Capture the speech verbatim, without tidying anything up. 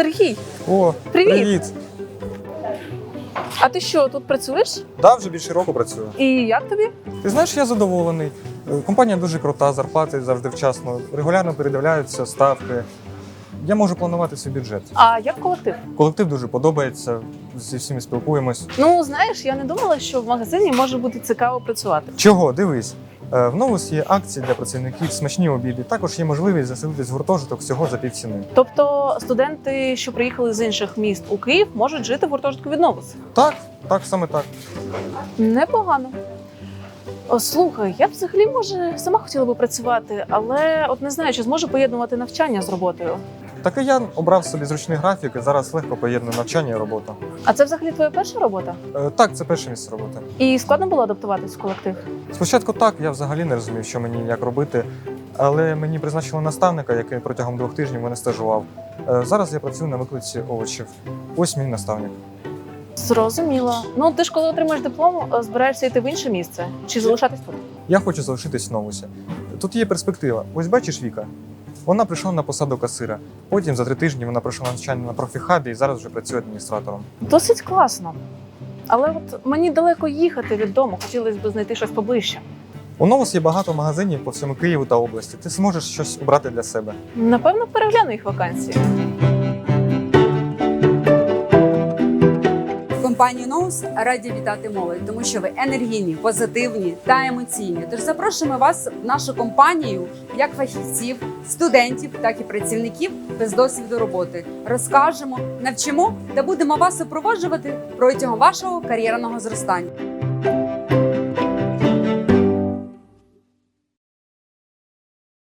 Сергій, О, Привіт. привіт! а ти що, тут працюєш? Да, вже більше року працюю. І як тобі? Ти знаєш, я задоволений. Е, Компанія дуже крута, зарплати завжди вчасно, регулярно передивляються ставки. Я можу планувати свій бюджет. А як колектив? Колектив дуже подобається, зі всіми спілкуємось. Ну, знаєш, я не думала, що в магазині може бути цікаво працювати. Чого? Дивись. Е, В Новус є акції для працівників, смачні обіди. Також є можливість заселитись в гуртожиток всього за півціни. Тобто студенти, що приїхали з інших міст у Київ, можуть жити в гуртожитку від Новус? Так, так, саме так. Непогано. О, слухай, я б взагалі, може, сама хотіла би працювати, але от не знаю, чи зможу поєднувати навчання з роботою. Так і я обрав собі зручний графік і зараз легко поєдную навчання і роботу. А це взагалі твоя перша робота? Е, Так, це перше місце роботи. І складно було адаптуватись в колектив? Спочатку так, я взагалі не розумів, що мені як робити, але мені призначили наставника, який протягом двох тижнів мене стажував. Е, Зараз я працюю на викладці овочів. Ось мій наставник. Зрозуміло. Ну, ти ж коли отримаєш диплом, збираєшся йти в інше місце чи залишатись тут? Я хочу залишитись в Новусі. Тут є перспектива. Ось бачиш Віка? Вона прийшла на посаду касира. Потім за три тижні вона пройшла навчання на профіхабі і зараз вже працює адміністратором. Досить класно. Але от мені далеко їхати від дому, хотілося б знайти щось поближче. У Новус є багато магазинів по всьому Києву та області. Ти зможеш щось обрати для себе. Напевно, перегляну їх вакансії. Компанію Ноус раді вітати молодь, тому що ви енергійні, позитивні та емоційні. Тож запрошуємо вас в нашу компанію як фахівців, студентів, так і працівників без досвіду роботи. Розкажемо, навчимо та будемо вас супроводжувати протягом вашого кар'єрного зростання.